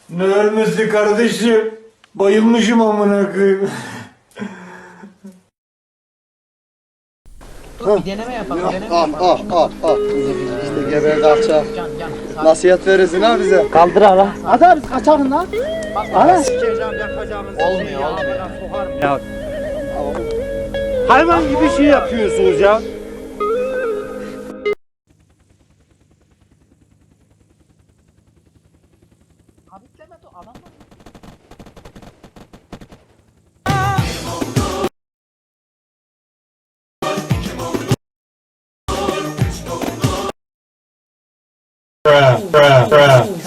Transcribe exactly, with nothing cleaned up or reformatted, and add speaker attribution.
Speaker 1: Ne ölmesi kardeşim? Bayılmışım amına koyayım.
Speaker 2: Dur bir deneme yapalım. Deneme
Speaker 3: Ah
Speaker 2: yapalım.
Speaker 3: ah ah ah. İşte geberdi alçak.
Speaker 2: Can can. Sakin.
Speaker 3: Nasihat verirsin ha bize.
Speaker 4: Kaldır hala. Hadi abi kaçalım lan.
Speaker 2: Bak,
Speaker 4: Ana.
Speaker 5: Sikeceğim yakacağımızı.
Speaker 2: Olmuyor olmuyor.
Speaker 5: Sokarım.
Speaker 4: Ya. Hayvan gibi şey yapıyorsunuz ya.
Speaker 2: Habitleme de adam var.
Speaker 1: Bruh, bruh, bruh.